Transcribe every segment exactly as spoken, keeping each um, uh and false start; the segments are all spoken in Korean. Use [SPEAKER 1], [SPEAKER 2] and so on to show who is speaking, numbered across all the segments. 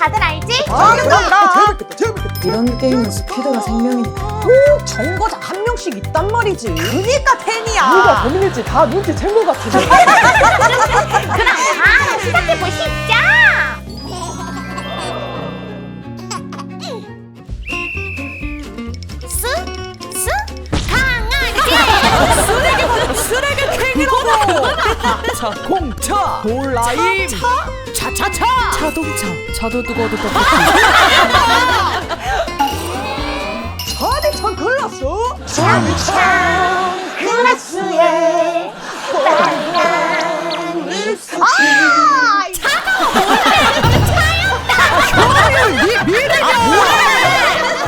[SPEAKER 1] 다들 알지?
[SPEAKER 2] 아, 그럼
[SPEAKER 3] 재밌겠다, 재밌겠다.
[SPEAKER 4] 이런 게임은 스피드가 생명이니까.
[SPEAKER 2] 꼭 정거장 한 명씩 있단 말이지. 그니까 텐이야.
[SPEAKER 3] 누가 범인일지 다 눈치 챈 것 같은데.
[SPEAKER 1] 그럼 바로 시작해보시죠. 스? 스? 강아지!
[SPEAKER 2] 쓰레기 쓰레기 캔이라고. 자 공차 돌라임 차차차
[SPEAKER 4] 자동차. 차도 뜨거워도 떡볶이.
[SPEAKER 2] 차디찬 글라스
[SPEAKER 1] 참 글라스에 빨간 립스틱. 아!
[SPEAKER 2] 효율 니 미래냐.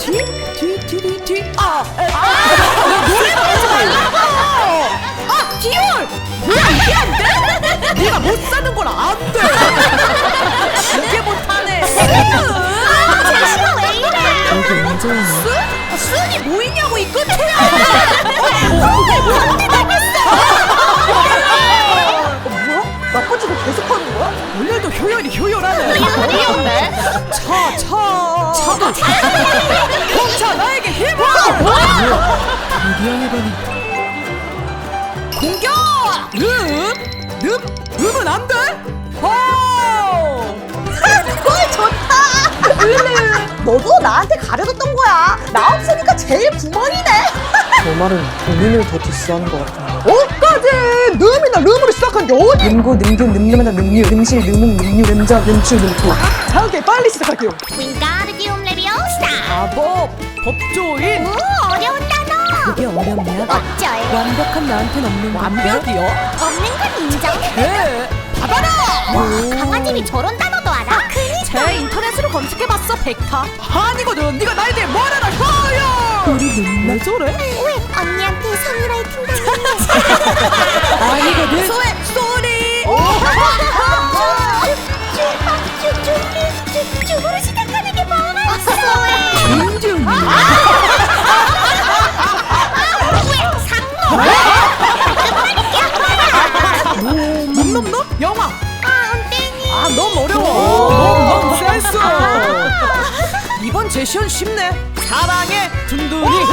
[SPEAKER 2] 뒤뒤뒤뒤뒤아 노래도 하지 말라고. 아 디올 왜 이게 안 돼? 네가 못 사는 걸 안 돼. 이게 못하네.
[SPEAKER 1] 아, 제시가 왜 이래?
[SPEAKER 4] 이게 문제였네.
[SPEAKER 2] 아, 순이 뭐 있냐고 이 끝에. 뭐야? 나빠지고 계속하는 거야? 오늘도 효율이 효율하네.
[SPEAKER 1] 효율이었네.
[SPEAKER 2] 차, 차. 차도 공차 나에게 힘을.
[SPEAKER 4] 미디어해보니
[SPEAKER 2] 공격. 음, 음, 음은 안 돼. 오.
[SPEAKER 1] 골 좋다.
[SPEAKER 2] 으르. 너도 나한테 가려줬던 거야. 나 없으니까 제일 구멍이네.
[SPEAKER 4] 저 말은 본인을 더 디스하는 것 같은데.
[SPEAKER 2] 어까지 늠이나 름으로 시작한 게 어디?
[SPEAKER 4] 능고 능교 능력마다 능류 능실 능목 능류 능자 능추 능토.
[SPEAKER 2] 자, 오케이 빨리 시작할게요.
[SPEAKER 1] 윙가르디움 레비오스타.
[SPEAKER 2] 마법 법조인.
[SPEAKER 1] 오, 어려운 단어.
[SPEAKER 4] 그게 어렵냐?
[SPEAKER 1] 어쩔.
[SPEAKER 4] 완벽한 나한텐 없는 건데.
[SPEAKER 2] 완벽이요?
[SPEAKER 1] 없는 건 인정.
[SPEAKER 2] 네. 받아라.
[SPEAKER 1] 와, 강아지니 저런 단어도 알아?
[SPEAKER 2] 제 인터넷으로 검색해봤어 백타. 아니거든. 네가 나에 대해 뭘 알아 효요.
[SPEAKER 4] 우리 눈매
[SPEAKER 2] 왜 저래?
[SPEAKER 1] 왜 언니한테 성유라이팅 당했네.
[SPEAKER 4] 아니거든.
[SPEAKER 2] 소에 쏘리.
[SPEAKER 1] 쭉쭉쭉쭉쭉으로 시작하는 게 많았어.
[SPEAKER 4] 윤준.
[SPEAKER 1] 왜 상모?
[SPEAKER 2] 놈놈놈 영화.
[SPEAKER 1] 아, 땡이.
[SPEAKER 2] 아 너무 어려워. 너무 센스. 이번 제시어는 쉽네. 사랑의 둔둔이.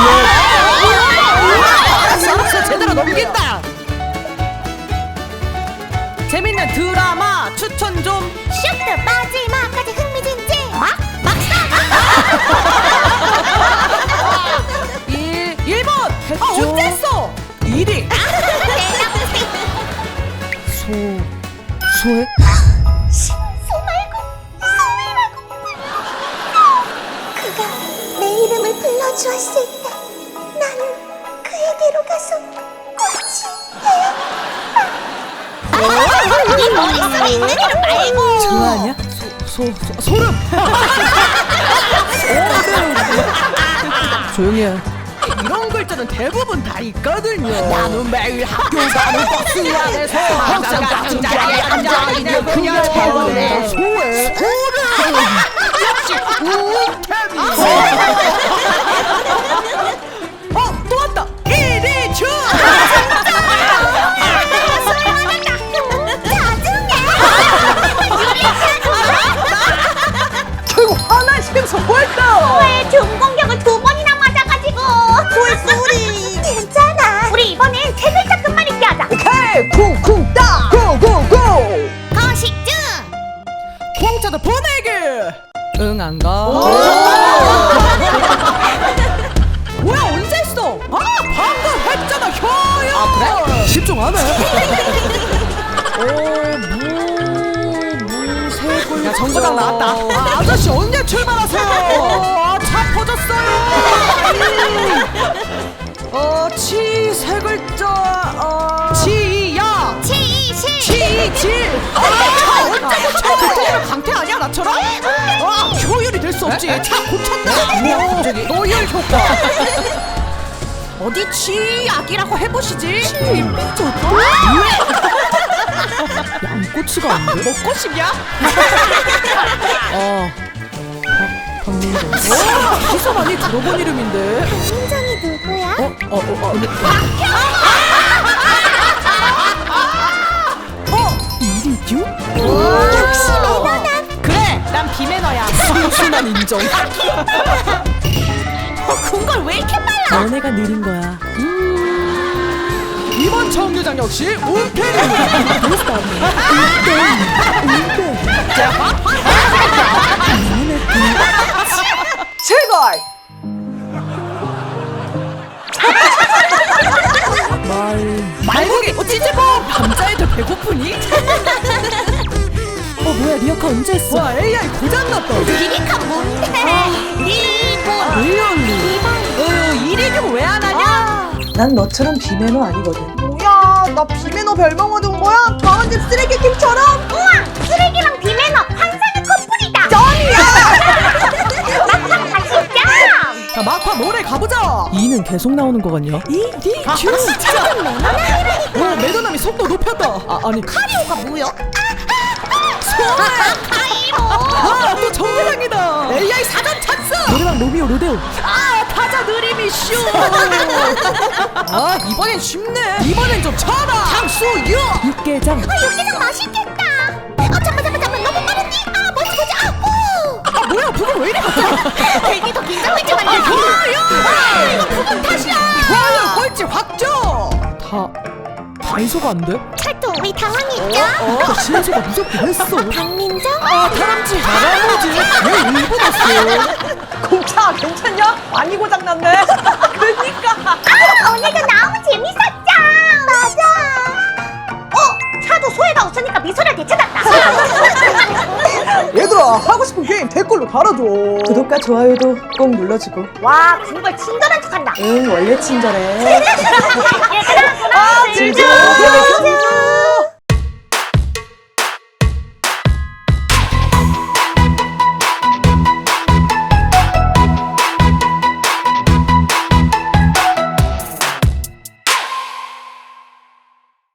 [SPEAKER 2] 알았어 알았어 제대로 넘긴다. 재밌는 드라마 추천 좀.
[SPEAKER 1] 슈트 마지막까지 흥미진진. 막? 막상.
[SPEAKER 2] 일, 일 번. 아 언제 했어? 일 위.
[SPEAKER 4] 소 소해?
[SPEAKER 1] 소 말고 소이라고. 그가 내 이름을 불러주었을 때 나는 그에게로 가서 꽃이 되었다. 이 머릿속에 있는 이름 말고.
[SPEAKER 4] 좋아하냐?
[SPEAKER 2] 소, 소, 소름.
[SPEAKER 4] 조용히 해.
[SPEAKER 2] 이런 글자는 대부분 다 있거든요. 나는 매일 학교 가는 버스 안에서 항상 같은 자리에 앉아있는 그냥 저번에 소에 소를 역시 우태비. 어, 또 왔다. 이리주. 결국 하나의 생선 뭘까?
[SPEAKER 1] 왜 중 공격을 두 번이나 맞아가지고.
[SPEAKER 2] 소의 소리.
[SPEAKER 1] 괜찮아. 우리 이번엔 세 글자 끝말잇기 하자.
[SPEAKER 2] 오케이 쿵쿵 따 고고고.
[SPEAKER 1] 거식증.
[SPEAKER 2] 공짜도 보내기.
[SPEAKER 4] 응 안 가.
[SPEAKER 2] 뭐야 언제 했어? 아 방금 했잖아 효요. 아 그래? 집중 안 해.
[SPEAKER 4] 무무세골.
[SPEAKER 2] 야 정거장 나왔다. 아, 아저씨 언제 출발하세요? 아, 차 퍼졌어요. 어치 세 글자. 어 치야.
[SPEAKER 1] 치이시.
[SPEAKER 2] 치질. 아 언제 고쳐? 그때는 강태 아니야 나처럼? 아 효율이 될 수 없지. 차 고쳤다. 뭐야 갑자기? 노열 효과. 어디 치약이라고 해보시지. 치 삐졌다.
[SPEAKER 4] 양꼬치가 안 돼?
[SPEAKER 2] 먹고 싶냐?
[SPEAKER 4] 어. 박민정.
[SPEAKER 2] 오, 어디서 많이 들어본 이름인데.
[SPEAKER 1] 민정이 누구야?
[SPEAKER 4] 어? 어? 어? 어? 근데
[SPEAKER 2] 어? 이리듀?
[SPEAKER 1] 역시 매너남.
[SPEAKER 2] 그래, 나 인정.
[SPEAKER 1] 궁궐 왜 이렇게 빨라?
[SPEAKER 3] 너네가 느린 거야.
[SPEAKER 2] 이번 정류장 역시 운패입니다.
[SPEAKER 3] 제발.
[SPEAKER 2] 말고기 찌찌뽕. 남자애들 배고프니?
[SPEAKER 3] 어 뭐야 리어카 언제 했어?
[SPEAKER 2] 와 에이아이 고장났다.
[SPEAKER 1] 리리카 뭔데? 리본
[SPEAKER 2] 리얼리. 어 이리는 왜 안 하냐?
[SPEAKER 4] 난 너처럼 비매너 아니거든.
[SPEAKER 3] 뭐야 나 비매너 별명 얻은 거야? 다른 집 쓰레기킹처럼?
[SPEAKER 1] 우와 쓰레기랑 비매너 환상의 커플이다. 막상 다시 짱.
[SPEAKER 2] 자 막판 노래 가보자.
[SPEAKER 3] 이는 계속 나오는 거 같냐?
[SPEAKER 2] 이리 아 진짜. 오 매너남이 속도 높였다. 아 아니
[SPEAKER 1] 카리오가 뭐야? 카이로.
[SPEAKER 2] 아또 정류장이다. 에이아이 사전 찬스.
[SPEAKER 3] 노래방 로미오 로데오.
[SPEAKER 2] 아 타자 느림이 쇼. 아 이번엔 쉽네. 이번엔 좀 쳐라. 향수유.
[SPEAKER 3] 육개장.
[SPEAKER 1] 아 육개장 맛있겠다. 아 잠깐 잠깐 잠깐 너무 빠르니? 아 뭐지 뭐지 아 오.
[SPEAKER 2] 아 뭐야 부분 왜 이리 갑자기.
[SPEAKER 1] 괜히 더 긴장했지만
[SPEAKER 2] 아,
[SPEAKER 1] 이거
[SPEAKER 2] 뭐야?
[SPEAKER 1] 이거 부분 탓이야.
[SPEAKER 2] 와 꼴찌 확정.
[SPEAKER 3] 다 단소가 안 돼?
[SPEAKER 1] 찰또 우리 당황했죠?
[SPEAKER 3] 어? 신소가 무섭긴 했어.
[SPEAKER 1] 박민정?
[SPEAKER 2] 아 다람쥐 다람쥐 왜 일본 왔어?
[SPEAKER 3] 공차 괜찮냐? 많이 고장났네. 그니까.
[SPEAKER 1] 아 오늘도 너무 재밌었죠? 맞아. 어 차도 소혜가 웃으니까 미소를 되찾았다.
[SPEAKER 3] 얘들아 하고 싶은 게임 댓글로 달아줘.
[SPEAKER 4] 구독과 좋아요도 꼭 눌러주고.
[SPEAKER 1] 와 궁궐 친절한 척한다.
[SPEAKER 4] 응, 원래 친절해.
[SPEAKER 1] 얘들아 그럼
[SPEAKER 3] 아,
[SPEAKER 1] 즐겨.
[SPEAKER 3] 진짜.